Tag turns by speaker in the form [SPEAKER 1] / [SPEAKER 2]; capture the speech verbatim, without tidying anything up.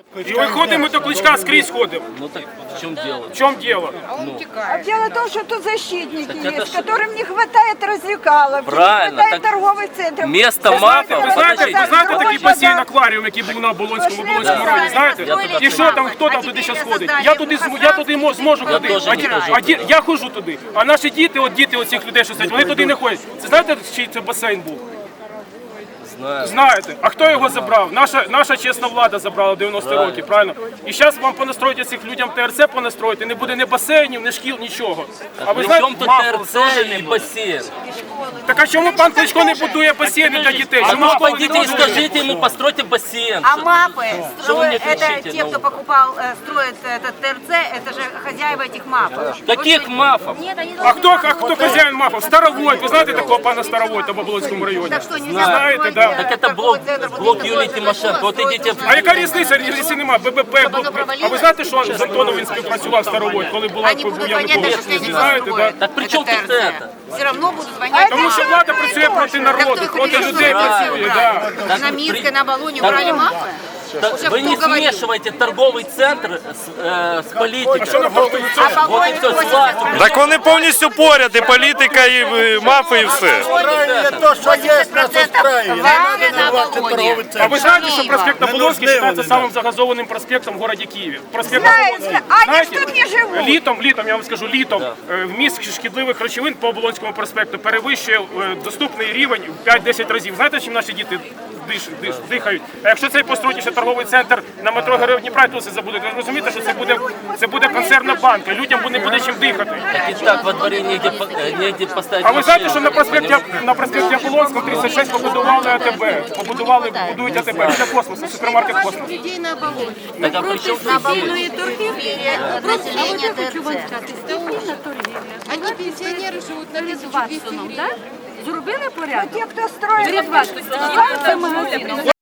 [SPEAKER 1] И выходим мы до Кличка, скрізь ходим.
[SPEAKER 2] Ну так в чем дело?
[SPEAKER 1] В чем дело?
[SPEAKER 3] А дело в том, что тут защитники
[SPEAKER 2] Так это
[SPEAKER 3] есть,
[SPEAKER 2] ж-
[SPEAKER 3] которым не хватает развлекалов,
[SPEAKER 2] Правильно,
[SPEAKER 3] не хватает
[SPEAKER 2] так
[SPEAKER 3] торговых центров.
[SPEAKER 2] место
[SPEAKER 3] Вы
[SPEAKER 2] мафа,
[SPEAKER 1] Ви знаєте, ви знаєте такий
[SPEAKER 3] Ось
[SPEAKER 1] басейн
[SPEAKER 3] вода.
[SPEAKER 1] акваріум, який був на Оболонському, Оболонському
[SPEAKER 2] Да.
[SPEAKER 1] районі, знаєте?
[SPEAKER 2] Я
[SPEAKER 1] І що там, хто там туди зараз ходить? Я туди, зм- я туди мо- зможу
[SPEAKER 2] Я
[SPEAKER 1] ходити.
[SPEAKER 2] теж
[SPEAKER 1] А
[SPEAKER 2] не
[SPEAKER 1] ді-
[SPEAKER 2] хожу
[SPEAKER 1] а ді- Я ходжу туди. А наші діти, от діти оцих людей, що сидять, вони туди не ходять. Це знаєте, чий це басейн був?
[SPEAKER 2] Знаю.
[SPEAKER 1] Знаєте. А хто його забрав? Наша, наша чесна влада забрала в дев'яності роки, правильно? І зараз вам понастроїть цих людям ТРЦ понастроїти, не буде ні басейнів, ні шкіл, нічого. А ви
[SPEAKER 2] При
[SPEAKER 1] знаєте,
[SPEAKER 2] чем тут
[SPEAKER 1] мафа
[SPEAKER 2] ТРЦ
[SPEAKER 1] теж не
[SPEAKER 2] и
[SPEAKER 1] буде.
[SPEAKER 2] бассейн?
[SPEAKER 1] Так а чому пан Кличко не будує басейни для дітей?
[SPEAKER 2] А
[SPEAKER 1] Чому
[SPEAKER 2] ну
[SPEAKER 1] школи не
[SPEAKER 2] пойдите и
[SPEAKER 1] будує?
[SPEAKER 2] скажите ему, постройте бассейн.
[SPEAKER 4] А мапы,
[SPEAKER 2] Что вы мне
[SPEAKER 4] строят, это
[SPEAKER 2] кричите?
[SPEAKER 4] те,
[SPEAKER 2] Ну.
[SPEAKER 4] кто покупал, э, строит этот ТРЦ, это же хозяева этих мапов.
[SPEAKER 2] Каких мафов?
[SPEAKER 4] Нет, они
[SPEAKER 1] А хто, а хто хазяїн мафов? Старовой. Ви знаєте такого пана Старовой там в Оболонському районі?
[SPEAKER 4] Так что нельзя
[SPEAKER 1] Знаете,
[SPEAKER 4] строить,
[SPEAKER 1] да.
[SPEAKER 4] э,
[SPEAKER 2] Так это
[SPEAKER 4] торговый
[SPEAKER 2] блок,
[SPEAKER 4] центр, вот
[SPEAKER 2] блок
[SPEAKER 4] такой
[SPEAKER 2] Юлии
[SPEAKER 4] вот,
[SPEAKER 2] Тимошенко. Вот
[SPEAKER 4] строить.
[SPEAKER 2] идите.
[SPEAKER 1] А яка різниця, якщо немає? ББП,
[SPEAKER 4] Щоб воно
[SPEAKER 1] блок-
[SPEAKER 4] провалилось?
[SPEAKER 1] а ви знаєте, що з Антоном він співпрацював Старовой, коли була
[SPEAKER 4] Они будут
[SPEAKER 1] був
[SPEAKER 4] звонять, даже
[SPEAKER 1] Янукович?
[SPEAKER 4] если они
[SPEAKER 1] Знаєте, да?
[SPEAKER 4] построят
[SPEAKER 2] Так при чем
[SPEAKER 4] этот
[SPEAKER 2] тут
[SPEAKER 4] ТРЦ.
[SPEAKER 2] это?
[SPEAKER 4] Все равно будут звонять.
[SPEAKER 1] Тому що влада працює проти народу, проти людей працює, да.
[SPEAKER 2] Так
[SPEAKER 4] На
[SPEAKER 2] при-
[SPEAKER 4] Минске, на Оболоне
[SPEAKER 2] Так-
[SPEAKER 4] убрали мапы?
[SPEAKER 2] Так
[SPEAKER 4] Уже
[SPEAKER 2] вы не
[SPEAKER 4] кто говорит?
[SPEAKER 2] смешивайте торговый центр с, э, с политикой.
[SPEAKER 1] А що нам торговий
[SPEAKER 4] А
[SPEAKER 1] центр?
[SPEAKER 2] Вот и
[SPEAKER 4] Оболонь
[SPEAKER 2] все, с
[SPEAKER 4] просит
[SPEAKER 2] властью.
[SPEAKER 5] Так вони повністю поряд, і політика, і е, мафи, і все.
[SPEAKER 6] Правильно, то, що є, просто справи. Не
[SPEAKER 4] Варвара
[SPEAKER 6] треба
[SPEAKER 4] на
[SPEAKER 6] називати
[SPEAKER 4] Оболоні.
[SPEAKER 6] торговий
[SPEAKER 1] А ви
[SPEAKER 6] центр.
[SPEAKER 1] знаєте, що проспект
[SPEAKER 6] Не
[SPEAKER 1] Оболонський
[SPEAKER 6] нужны
[SPEAKER 1] вважається
[SPEAKER 6] вони
[SPEAKER 1] самим
[SPEAKER 6] нам.
[SPEAKER 1] загазованим проспектом в городі Києві? Проспект
[SPEAKER 3] Знаєте,
[SPEAKER 1] Оболонський.
[SPEAKER 3] а вони ж
[SPEAKER 1] Знаєте,
[SPEAKER 3] тут не живуть.
[SPEAKER 1] Літом, літом, я вам скажу, літом е, вміст шкідливих речовин по Оболонському проспекту перевищує е, доступний рівень в п'ять-десять разів. Знаєте, чим наші діти диш, диш, дихають? А якщо цей построїть ще торговий центр на метро Героїв Дніпра, то це забудете. Ви розумієте, що це буде, це буде консервна банка, людям буде не буде чим дихати.
[SPEAKER 2] И так во дворе негде, по- э, негде поставить
[SPEAKER 1] А ви знаєте, що
[SPEAKER 2] машину.
[SPEAKER 1] на проспекті, на проспекті Оболонського тридцять шість побудували АТБ, побудували, будують АТБ для космосу, супермаркет космос.
[SPEAKER 4] Людей на Оболоне.
[SPEAKER 2] Так а при чем
[SPEAKER 4] На
[SPEAKER 2] тут здесь?
[SPEAKER 4] Оболоне торгівлі населення ТРЦ.
[SPEAKER 7] Они пенсионеры живут на тысячу двести гривен.
[SPEAKER 8] Зробили порядок?
[SPEAKER 3] Те, кто строит,
[SPEAKER 8] Перед вас,